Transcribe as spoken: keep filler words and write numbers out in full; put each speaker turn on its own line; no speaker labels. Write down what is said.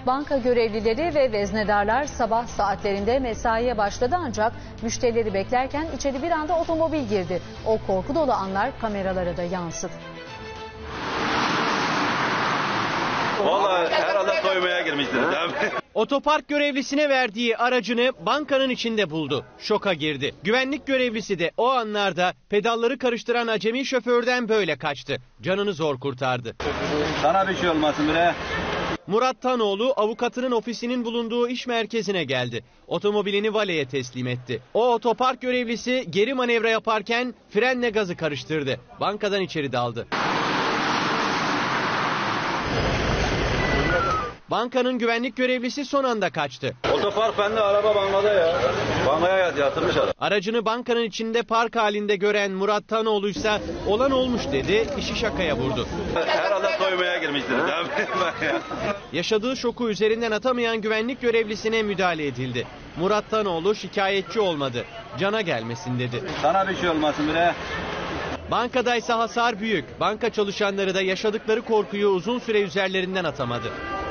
Banka görevlileri ve veznedarlar sabah saatlerinde mesaiye başladı ancak müşterileri beklerken içeri bir anda otomobil girdi. O korku dolu anlar kameralara da yansıdı.
Vallahi herhalde soymaya girmiştiniz değil mi?
Otopark görevlisine verdiği aracını bankanın içinde buldu. Şoka girdi. Güvenlik görevlisi de o anlarda pedalları karıştıran acemi şoförden böyle kaçtı. Canını zor kurtardı.
Sana bir şey olmasın bre.
Murat Tanoğlu avukatının ofisinin bulunduğu iş merkezine geldi. Otomobilini valeye teslim etti. O otopark görevlisi geri manevra yaparken frenle gazı karıştırdı. Bankadan içeri daldı. Bankanın güvenlik görevlisi son anda kaçtı.
Otopark bende, araba bankada ya. Bankaya yatırmış adam.
Aracını bankanın içinde park halinde gören Murat Tanoğlu ise olan olmuş dedi, işi şakaya vurdu.
Herhalde soymaya girmiştiniz değil mi?
Yaşadığı şoku üzerinden atamayan güvenlik görevlisine müdahale edildi. Murat Tanoğlu şikayetçi olmadı. Cana gelmesin dedi.
Sana bir şey olmasın bre.
Bankadaysa hasar büyük. Banka çalışanları da yaşadıkları korkuyu uzun süre üzerlerinden atamadı.